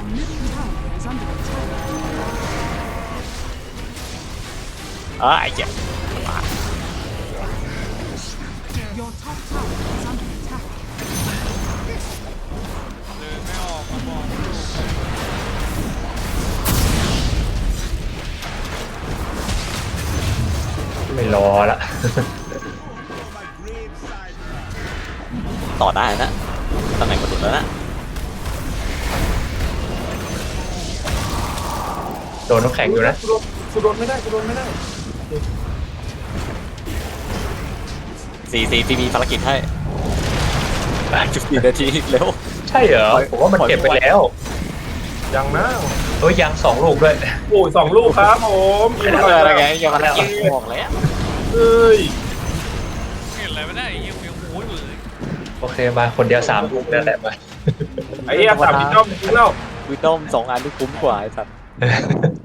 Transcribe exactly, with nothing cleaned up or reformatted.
เออไอ้เจ็บ Your top tower is under attack. เดินไม่ออกมาบอกไม่รอละต่อได้นะตำแหน่งกระสุนแล้วนะโดนน้ำแข็งอยู่นะกูโดนไม่ได้กูโดนไม่ได้สี่สี่ที่มีภารกิจให้จุดสี่นาทีเร็วใช่เหรอผมว่ามันเก็บไปแล้วยังนะเอ้ยยังสองลูกด้วยโอ้ยสองลูกครับผมเอออะไรไงยังภารกิจบอกแล้วเอ้ยเห็นอะไรไม่ได้ยังยังโอ้ยเลยโอเคมาคนเดียวสามลูกนั่นแหละมาไอ้เหี้ยสามพี่จ้อมจริงแล้ววิดอมสองอันที่คุ้มกว่าไอ้สัตว์